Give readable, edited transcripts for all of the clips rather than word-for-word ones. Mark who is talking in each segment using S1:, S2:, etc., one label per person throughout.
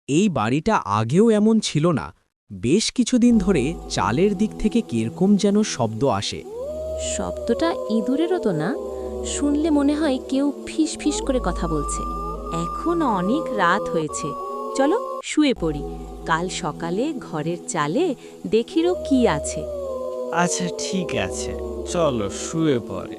S1: এই বাড়িটা আগেও এমন ছিল না। বেশ কিছুদিন ধরে চালের দিক থেকে কিরকম যেন শব্দ আসে।
S2: শব্দটা ইঁদুরেরও তো না, শুনলে মনে হয় কেউ ফিস ফিস করে কথা বলছে। এখন অনেক রাত হয়েছে, চলো শুয়ে পড়ি। কাল সকালে ঘরের চালে দেখিরও কি আছে।
S3: আচ্ছা ঠিক আছে, চলো শুয়ে পড়ে।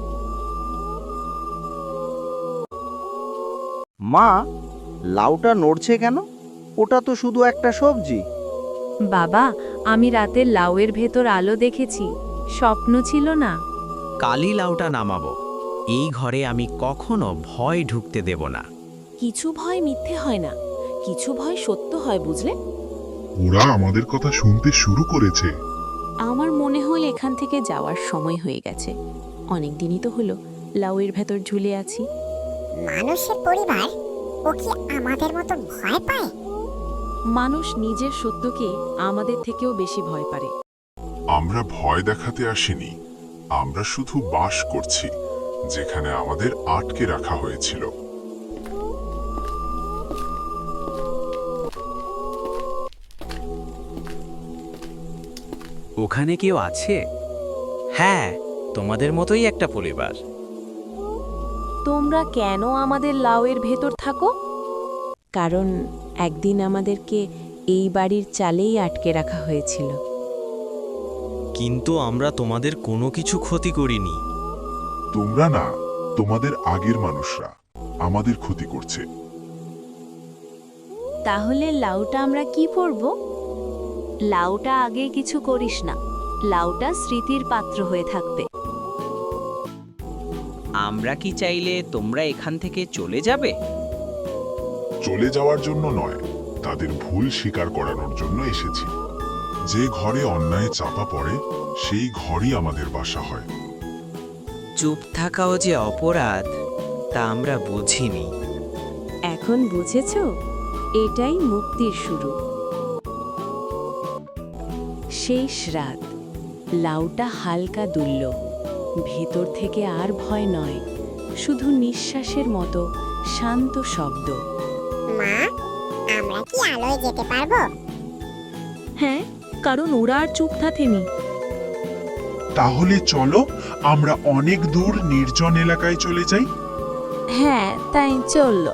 S4: মা, লাউটা নড়ছে কেন? ওটা তো শুধু একটা সবজি।
S2: বাবা, আমি রাতে লাউয়ের ভেতর আলো দেখেছি, স্বপ্ন ছিল না।
S1: কালি লাউটা নামাবো। এই ঘরে আমি কখনো ভয় ঢুকতে দেব না।
S2: কিছু ভয় মিথ্যে হয় না, কিছু ভয় সত্য হয়, বুঝলে?
S5: ওরা আমাদের কথা শুনতে শুরু করেছে।
S2: আমার মনে হল এখান থেকে যাওয়ার সময় হয়ে গেছে। অনেক দিনই তো হলো লাউয়ের ভেতর ঝুলে আছি।
S6: মানুষের পরিবার, ও কি আমাদের মতো ভয় পায়?
S2: মানুষ নিজের সত্যকে আমাদের থেকেও বেশি ভয় পারে।
S5: আমরা ভয় দেখাতে আসিনি, আমরা শুধু বাস করছি যেখানে আমাদের আটকে রাখা হয়েছিল।
S1: ওখানে কেউ আছে? হ্যাঁ, তোমাদের মতোই একটা পরিবার।
S2: তোমরা কেন আমাদের লাউয়ের ভেতর থাকো? কারণ একদিন আমাদেরকে এই বাড়ির চালেই আটকে রাখা হয়েছিল।
S3: কিন্তু আমরা তোমাদের কোনো কিছু ক্ষতি করিনি।
S5: তোমরা না, তোমাদের আগের মানুষরা আমাদের ক্ষতি করছে।
S2: তাহলে লাউটা আমরা কি করব? লাউটা আগে কিছু করিস না, লাউটা স্মৃতির পাত্র হয়ে থাকবে।
S7: আমরা কি চাইলে তোমরা এখান থেকে চলে যাবে?
S5: চলে যাওয়ার জন্য নয়, তাদের ভুল স্বীকার করানোর জন্য এসেছি। যে ঘরে অন্যায় চাপা পড়ে সেই ঘরই আমাদের বাসা হয়।
S7: চুপ থাকাও যে অপরাধ তা আমরা বুঝিনি।
S2: এখন বুঝেছ? এটাই মুক্তির শুরু। শেষ রাত, লাউটা হালকা দুলল। ভেতর থেকে আর ভয় নয়, শুধু নিঃশ্বাসের মতো শান্ত শব্দ।
S6: মা, আমরা কি আলোয় যেতে পারবো?
S2: হ্যাঁ, কারণ ওরা আর চুপ থাকেনি।
S8: তাহলে চলো আমরা অনেক দূর নির্জন এলাকায় চলে যাই।
S2: হ্যাঁ, তাই চলল।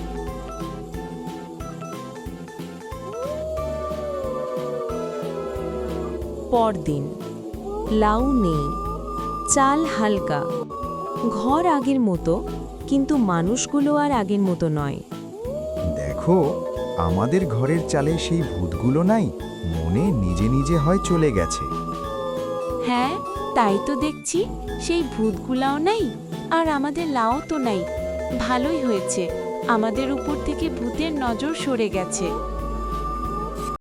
S2: পরদিন, লাউ নেই, চাল হালকা, ঘর আগের মতো, কিন্তু মানুষগুলো আর আগের মতো নয়।
S9: দেখো, আমাদের ঘরের চালে সেই ভূতগুলো নাই, মনে নিজে নিজে হয় চলে গেছে।
S2: হ্যাঁ, তাই তো দেখছি, সেই ভূতগুলাও নাই আর আমাদের লাউ তো নাই। ভালোই হয়েছে, আমাদের উপর থেকে ভূতের নজর সরে গেছে।